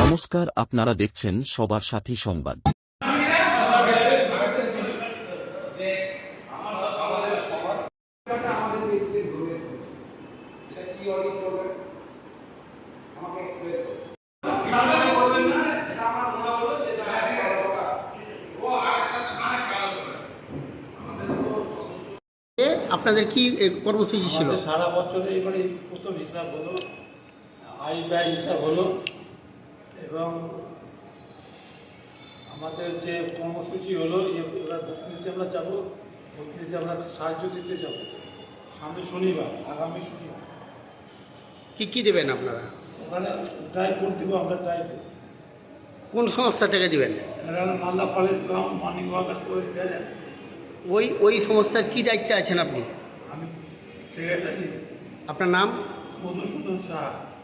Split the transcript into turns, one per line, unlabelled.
নমস্কার, আপনারা দেখছেন সবার সাথী সংবাদ।
আপনাদের কি কর্মসূচি ছিল?
সারা বছরে এবারে প্রথম হিসাব হলো, আয় ব্যয় হিসাব হলো, এবং আমাদের যে কর্মসূচি হলো এবার ভোট নিতে আমরা যাবো, ভোট নিতে আমরা সাহায্য দিতে যাব সামনে শনিবার, আগামী শনিবার।
কি কি দেবেন আপনারা?
ওখানে ড্রাই ভোট দেবো আমরা, ড্রাই ভোট।
কোন সংস্থা থেকে দিবেন?
এরা Malda college ground morning walkers আছে।
ওই সংস্থার কি দায়িত্বে আছেন আপনি?
আমি সেক্রেটারি।
আপনার নাম?
মধুসূদন সাহা।